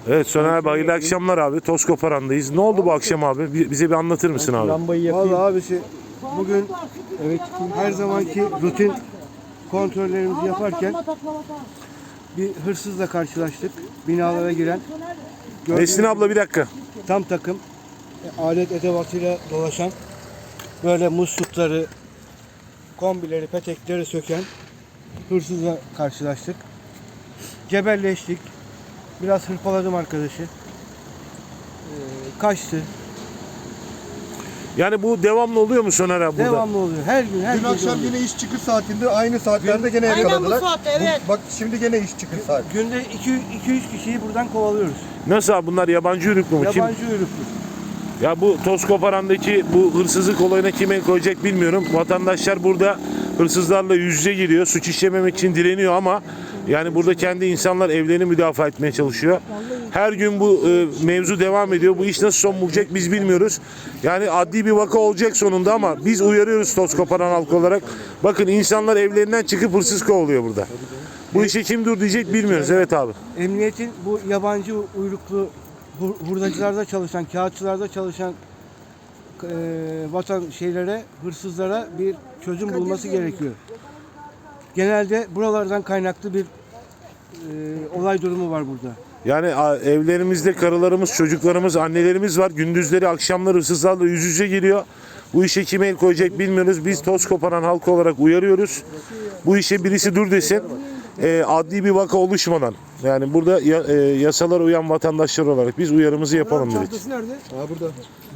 Evet Soner abi, hayırlı akşamlar abi. Toz Koparan'dayız. Ne oldu bu akşam abi? Bize bir anlatır mısın abi? Lambayı yakayım. Vallahi abisi bugün Evet. her zamanki rutin kontrollerimizi yaparken bir hırsızla karşılaştık. Binalara giren. Nesrin abla bir dakika. Tam takım alet edevatıyla dolaşan, böyle muslukları, kombileri, petekleri söken hırsızla karşılaştık. Cebelleştik. Biraz hırpaladım arkadaşı. Kaçtı. Yani bu devamlı oluyor mu Soner abi burada? Devamlı oluyor. Her gün, her Dün gün akşam oluyor. yine iş çıkış saatinde aynı saatlerde gene Aynen bu yakaladılar. saatte, evet. Bak şimdi gene iş çıkış saati. Günde 2-3 kişiyi buradan kovalıyoruz. Nasıl abi, bunlar yabancı uyruklu mu? Kim? Yabancı uyruklu. Ya bu Toz Koparan'daki bu hırsızlık olayına kim el koyacak bilmiyorum. Vatandaşlar burada hırsızlarla yüz yüze giriyor. Suç işlememek için direniyor ama yani burada kendi insanlar evlerini müdafaa etmeye çalışıyor. Her gün bu mevzu devam ediyor. Bu iş nasıl son bulacak biz bilmiyoruz. Yani adli bir vaka olacak sonunda ama biz uyarıyoruz Toz Koparan halkı olarak. Bakın insanlar evlerinden çıkıp hırsız kovalıyor burada. Bu işe kim dur diyecek bilmiyoruz. Evet abi. Emniyetin bu yabancı uyruklu hurdacılarda çalışan, kağıtçılarda çalışan hırsızlara bir çözüm bulması gerekiyor. Genelde buralardan kaynaklı bir olay durumu var burada. Yani evlerimizde karılarımız, çocuklarımız, annelerimiz var. Gündüzleri, akşamları hırsızlarla yüz yüze geliyor. Bu işe kim el koyacak bilmiyoruz. Biz Toz Koparan halkı olarak uyarıyoruz. Bu işe birisi dur desin. Adli bir vaka oluşmadan. Yani burada yasalara uyan vatandaşlar olarak biz uyarımızı yapalım dedik. Ha burada.